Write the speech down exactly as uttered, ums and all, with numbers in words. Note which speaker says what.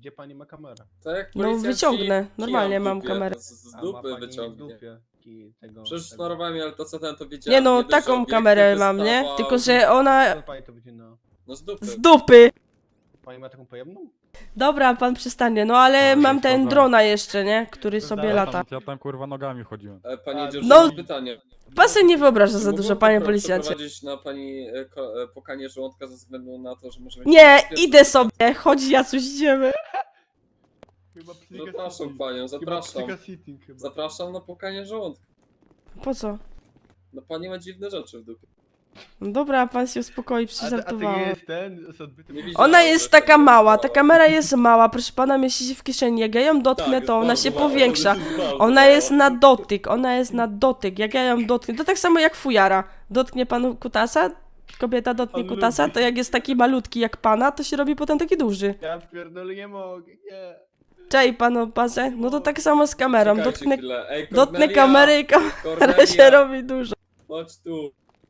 Speaker 1: Gdzie pani ma kamerę?
Speaker 2: Tak jak
Speaker 3: No
Speaker 2: policjanci
Speaker 3: wyciągnę, normalnie
Speaker 2: kijem w
Speaker 3: mam
Speaker 2: dupie,
Speaker 3: kamerę.
Speaker 2: Z, z
Speaker 1: A ma
Speaker 2: dupy
Speaker 1: pani w
Speaker 2: wyciągnie.
Speaker 1: dupie kij tego...
Speaker 2: Przecież
Speaker 1: tego-
Speaker 2: smarowałem, ale to co ten to wiedziałem.
Speaker 3: Nie no,
Speaker 2: dość, że
Speaker 3: taką
Speaker 2: obiektyw
Speaker 3: kamerę mam, nie?
Speaker 2: wystawał.
Speaker 3: Tylko, że ona
Speaker 1: Co pani to wycina?
Speaker 2: No z dupy.
Speaker 3: z dupy.
Speaker 1: Pani ma taką pojemną?
Speaker 3: Dobra, pan przestanie, no ale
Speaker 4: No,
Speaker 3: mam
Speaker 4: już
Speaker 3: ten
Speaker 4: sprawdzałem.
Speaker 3: drona jeszcze, nie? Który
Speaker 1: To
Speaker 3: sobie
Speaker 1: dalej
Speaker 4: Ja
Speaker 3: lata.
Speaker 4: tam, ja tam kurwa nogami chodziłem.
Speaker 2: E, Pani
Speaker 1: A,
Speaker 2: Jedziusz,
Speaker 3: no-
Speaker 2: mam pytanie.
Speaker 3: Pan sobie nie wyobraża za
Speaker 2: Czy
Speaker 3: dużo,
Speaker 2: mógłbym
Speaker 3: panie
Speaker 2: popro-
Speaker 3: policjancie.
Speaker 2: przeprowadzić na pani e, ko, e, pokanie żołądka ze względu na to, że możemy...
Speaker 3: Nie, idę sobie, chodź Jacuś, idziemy.
Speaker 1: Chyba psycha
Speaker 2: Zapraszam
Speaker 1: sitting.
Speaker 2: panią,
Speaker 1: Chyba
Speaker 2: zapraszam.
Speaker 1: psycha sitting chyba.
Speaker 2: Zapraszam na pokanie żołądka.
Speaker 3: Po co?
Speaker 2: No pani ma dziwne rzeczy w dupie.
Speaker 3: No dobra, pan się uspokoi,
Speaker 1: A, a to
Speaker 3: przeżartowałam.
Speaker 1: nie jest ten z odbytym...
Speaker 2: Nie widziałem.
Speaker 3: Ona jest
Speaker 2: Zresztą
Speaker 3: taka
Speaker 2: nie
Speaker 3: mała, ta
Speaker 2: widziałem.
Speaker 3: kamera jest mała, proszę pana, mieści się w kieszeni. Jak ja ją dotknę,
Speaker 2: Tak,
Speaker 3: to ona
Speaker 2: jest
Speaker 3: się
Speaker 2: bardzo mała,
Speaker 3: powiększa.
Speaker 2: jest bardzo
Speaker 3: Ona
Speaker 2: mała.
Speaker 3: jest na dotyk, ona jest na dotyk. Jak ja ją dotknę, to tak samo jak fujara. Dotknie panu kutasa, kobieta dotknie
Speaker 1: On
Speaker 3: kutasa,
Speaker 1: lubi.
Speaker 3: to jak jest taki malutki jak pana, to się robi potem taki duży.
Speaker 1: Ja pierdolę, nie mogę, nie.
Speaker 3: Cześć panu bazę, no to tak samo z kamerą.
Speaker 2: Czekajcie
Speaker 3: Dotknę,
Speaker 2: chwilę. Ej,
Speaker 3: dotknę
Speaker 2: Kornelia,
Speaker 3: kamery i kamera
Speaker 2: Kornelia,
Speaker 3: się robi duża.
Speaker 2: chodź tu.